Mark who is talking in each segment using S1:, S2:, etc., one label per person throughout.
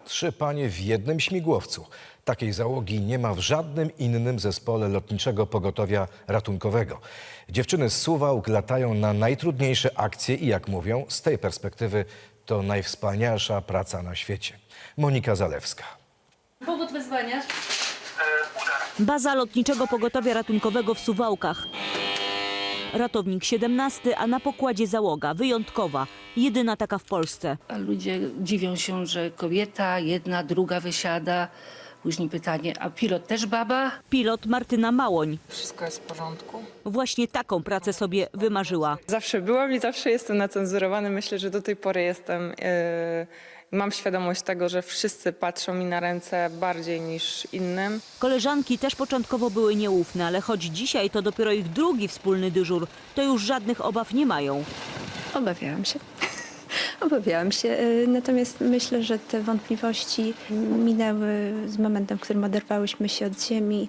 S1: 3 panie w jednym śmigłowcu. Takiej załogi nie ma w żadnym innym zespole Lotniczego Pogotowia Ratunkowego. Dziewczyny z Suwałk latają na najtrudniejsze akcje i jak mówią, z tej perspektywy to najwspanialsza praca na świecie. Monika Zalewska.
S2: Powód wezwania?
S3: Baza Lotniczego Pogotowia Ratunkowego w Suwałkach. Ratownik 17, a na pokładzie załoga wyjątkowa, jedyna taka w Polsce.
S2: A ludzie dziwią się, że kobieta, jedna, druga wysiada. Później pytanie, a pilot też baba?
S3: Pilot Martyna Małoń.
S4: Wszystko jest w porządku.
S3: Właśnie taką pracę sobie wymarzyła.
S4: Zawsze byłam i zawsze jestem nacenzurowany. Myślę, że do tej pory jestem. Mam świadomość tego, że wszyscy patrzą mi na ręce bardziej niż innym.
S3: Koleżanki też początkowo były nieufne, ale choć dzisiaj to dopiero ich drugi wspólny dyżur, to już żadnych obaw nie mają.
S5: Obawiałam się. Obawiałam się, natomiast myślę, że te wątpliwości minęły z momentem, w którym oderwałyśmy się od ziemi.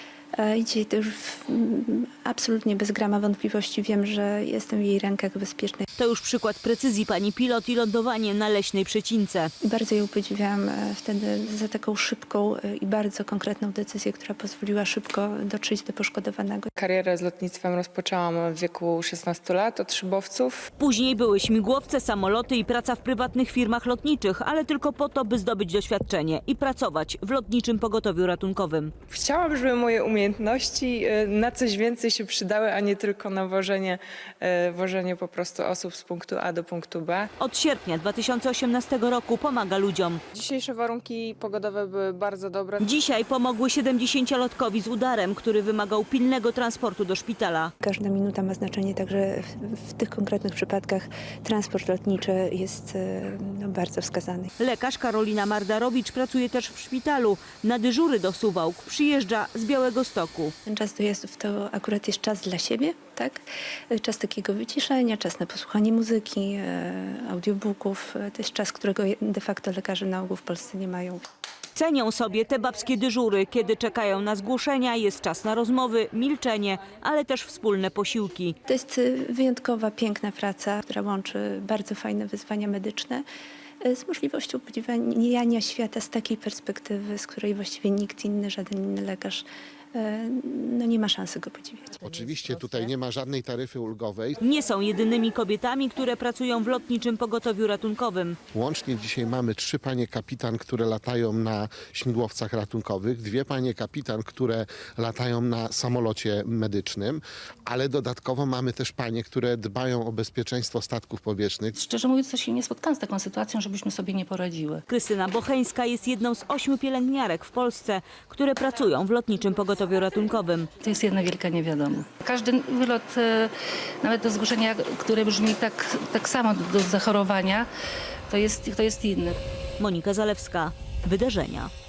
S5: I dzisiaj to już absolutnie bez grama wątpliwości wiem, że jestem w jej rękach bezpiecznej.
S3: To już przykład precyzji pani pilot i lądowanie na leśnej przecince.
S5: I bardzo ją podziwiałam wtedy za taką szybką i bardzo konkretną decyzję, która pozwoliła szybko dotrzeć do poszkodowanego.
S4: Karierę z lotnictwem rozpoczęłam w wieku 16 lat od szybowców.
S3: Później były śmigłowce, samoloty i praca w prywatnych firmach lotniczych, ale tylko po to, by zdobyć doświadczenie i pracować w Lotniczym Pogotowiu Ratunkowym.
S4: Chciałam, żeby moje umiejętności na coś więcej się przydały, a nie tylko na wożenie po prostu osób z punktu A do punktu B.
S3: Od sierpnia 2018 roku pomaga ludziom.
S4: Dzisiejsze warunki pogodowe były bardzo dobre.
S3: Dzisiaj pomogły 70-lotkowi z udarem, który wymagał pilnego transportu do szpitala.
S5: Każda minuta ma znaczenie, także w tych konkretnych przypadkach transport lotniczy jest bardzo wskazany.
S3: Lekarz Karolina Mardarowicz pracuje też w szpitalu. Na dyżury do Suwałk przyjeżdża z Białegostoku.
S5: Ten czas dojazdów to akurat jest czas dla siebie, tak? Czas takiego wyciszenia, czas na posłuchanie muzyki, audiobooków. To jest czas, którego de facto lekarze na ogół w Polsce nie mają.
S3: Cenią sobie te babskie dyżury, kiedy czekają na zgłoszenia, jest czas na rozmowy, milczenie, ale też wspólne posiłki.
S5: To jest wyjątkowa, piękna praca, która łączy bardzo fajne wyzwania medyczne z możliwością podziwiania świata z takiej perspektywy, z której właściwie nikt inny, żaden inny lekarz nie ma szansy go podziwiać.
S6: Oczywiście tutaj nie ma żadnej taryfy ulgowej.
S3: Nie są jedynymi kobietami, które pracują w Lotniczym Pogotowiu Ratunkowym.
S6: Łącznie dzisiaj mamy 3 panie kapitan, które latają na śmigłowcach ratunkowych, 2 panie kapitan, które latają na samolocie medycznym, ale dodatkowo mamy też panie, które dbają o bezpieczeństwo statków powietrznych.
S2: Szczerze mówiąc, to się nie spotkałam z taką sytuacją, żebyśmy sobie nie poradziły.
S3: Krystyna Bocheńska jest jedną z 8 pielęgniarek w Polsce, które pracują w Lotniczym Pogotowiu Ratunkowym.
S2: To jest jedna wielka niewiadoma. Każdy wylot, nawet do zgłoszenia, które brzmi tak samo do zachorowania, to jest inny.
S3: Monika Zalewska, Wydarzenia.